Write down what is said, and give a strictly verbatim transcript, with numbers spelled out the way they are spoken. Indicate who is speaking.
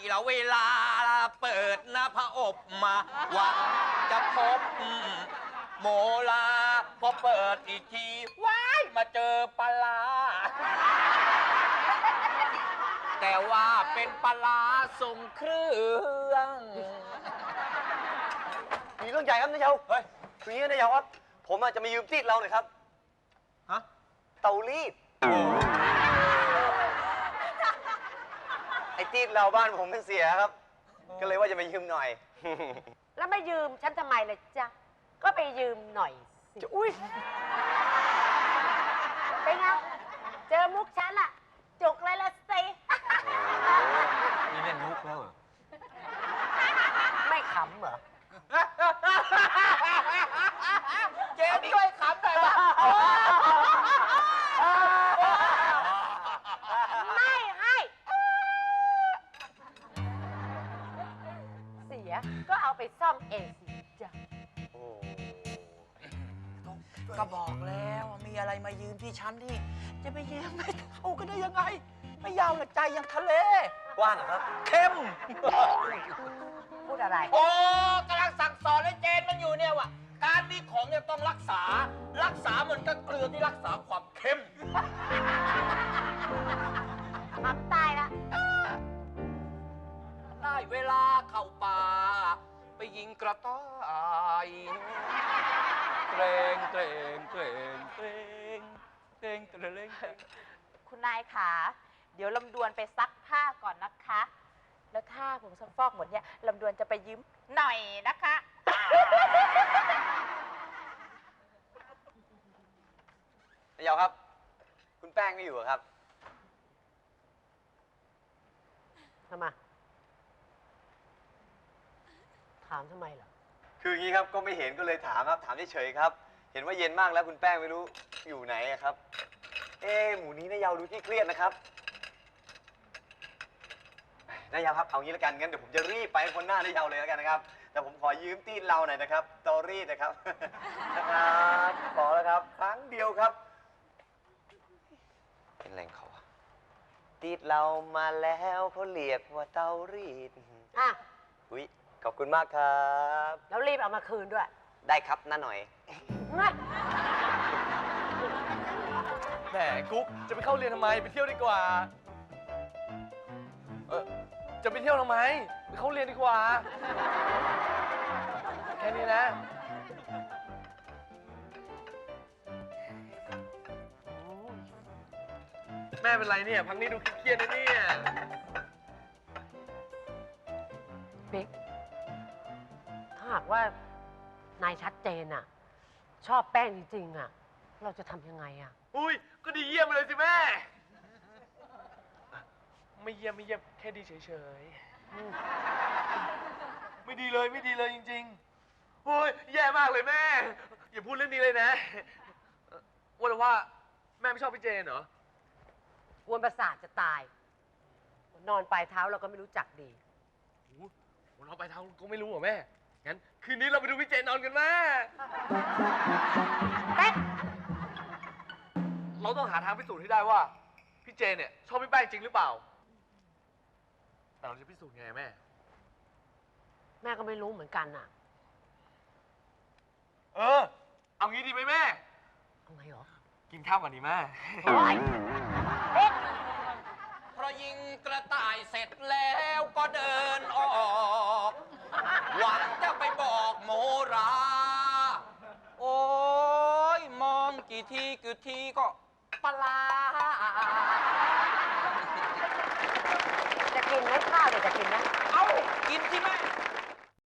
Speaker 1: ละเวลาเปิดหน้าพระอบมาหวังจะพบโมลาพอเปิดอีกทีว้ายมาเจอปลาร้าแต่ว่าเป็นปลาร้าทรงเครื่อง
Speaker 2: มีเรื่องใหญ่ครับนายเยาเฮ้ยคืออย่างนี้นายเยาครับผมอาจจะมายืมตีดเราหน่อยครับฮะเตารีดไอ้ตีดเราบ้านผมมันเสียครับก็เลยว่าจะมายืมหน่อย
Speaker 3: แล้วไม่ยืมฉันทำไมล่ะจ๊ะก็ไปยืมหน่อยสิอุ้ยเป็นไงเจอมุกฉันอะจุกเลยละสิ
Speaker 1: นี่เล่นมุกแล้วเหรอ
Speaker 3: ไม่ขำเหรอ
Speaker 1: เจมช่วยขำหน่อยป่ะ
Speaker 3: ไม่ให้เสียก็เอาไปซ่อมเองสิจ๊ะ
Speaker 1: ก็บอกแล้วมีอะไรมายืมที่ฉันที่จะไปยืมไม่เท่ากันได้ยังไง ไม่ยาวหนักใจอย่างทะเล
Speaker 2: กว้างเหรอครับ
Speaker 1: เข้ม
Speaker 3: พูดอะไร
Speaker 1: โอ้กำลังสั่งสอนให้เจนมันอยู่เนี่ยว่าการมีของเนี่ยต้องรักษา รักษาเหมือนกับเกลือที่รักษาความเข้ม
Speaker 3: ทำตายละ
Speaker 1: ได้เวลาเข้าป่าไปยิงกระต่ายเกรงเกรงเกรงเกรงเกรงเกรงเกรง
Speaker 4: คุณนายขาเดี๋ยวลำดวนไปซักผ้าก่อนนะคะ แล้วถ้าผงซักฟอกหมดเนี่ยลำดวนจะไปยืมหน่อยนะคะ
Speaker 2: นายเยาครับคุณแป้งไม่อยู่เหรอครับ
Speaker 3: ทำไมถามทำไมเหรอ
Speaker 2: คืออย่างนี้ครับก็ไม่เห็นก็เลยถามครับถามเฉยๆครับเห็นว่าเย็นมากแล้วคุณแป้งไม่รู้อยู่ไหนอะครับเอ๊ะหมูนี้นายเยาดูที่เครียดนะครับนายเยาครับเอางี้แล้วกันงั้นเดี๋ยวผมจะรีบไปคนหน้านายเยาเลยแล้วกันนะครับแต่ผมขอยืมตีนเราหน่อยนะครับตอรี่นะครับนะครับขอแล้วครับครั้งเดียวครับเป็นแรงเขาอะตีดเรามาแล้วเขาเรียกว่าเตารีด
Speaker 3: อ่ะ
Speaker 2: อุ๊ยขอบคุณมากครับ
Speaker 3: แล้วรีบเอามาคืนด้วย
Speaker 2: ได้ครับน้าหน่อย
Speaker 5: แหมกุ๊กจะไปเข้าเรียนทำไมไปเที่ยวดีกว่าเออจะไปเที่ยวทำไมไปเข้าเรียนดีกว่าแค่นี้นะแม่เป็นไรเนี่ยพักนี้ดูเครียดๆนะเนี่ย
Speaker 3: บิ๊กถ้าหากว่านายชัดเจนอะชอบแป้งจริงๆอะเราจะทำยังไงอะ
Speaker 5: อุ้ยก็ดีเยี่ยมไปเลยสิแม่ไม่เยี่ยมไม่เยี่ยมแค่ดีเฉยๆไม่ดีเลยไม่ดีเลยจริงๆโอ้ยแย่มากเลยแม่อย่าพูดเรื่องนี้เลยนะว่าแต่ว่าแม่ไม่ชอบพี่เจนเหรอ
Speaker 3: กวนประสาทจะตาย นอนปลายเท้าเราก็ไม่รู้จักดี
Speaker 5: โอ้โหเราไปทางก็ไม่รู้เหรอแม่ งั้นคืนนี้เราไปดูพี่เจนนอนกันแม่
Speaker 3: เป๊ะ
Speaker 5: เราต้องหาทางพิสูจน์ให้ได้ว่าพี่เจนเนี่ยชอบพี่แป้งจริงหรือเปล่า แต่เราจะพิสูจน์ไงแม่
Speaker 3: แม่ก็ไม่รู้เหมือนกันน่ะ
Speaker 5: เออ เอางี้ดีไหมแม่
Speaker 3: เอาไงหรอ
Speaker 5: กินข้าวก่อนดีแม่
Speaker 3: โอ๊ยเป๊ะ
Speaker 1: พอยิงกระต่ายเสร็จแล้วก็เดินออกหวังจะไปบอกโมรา โอ้ยมองกี่ทีกี่ทีก็ปลา
Speaker 3: จะกินไหมข้าวเนี่ยจะกินไหม
Speaker 1: เอ้า กินที่แม่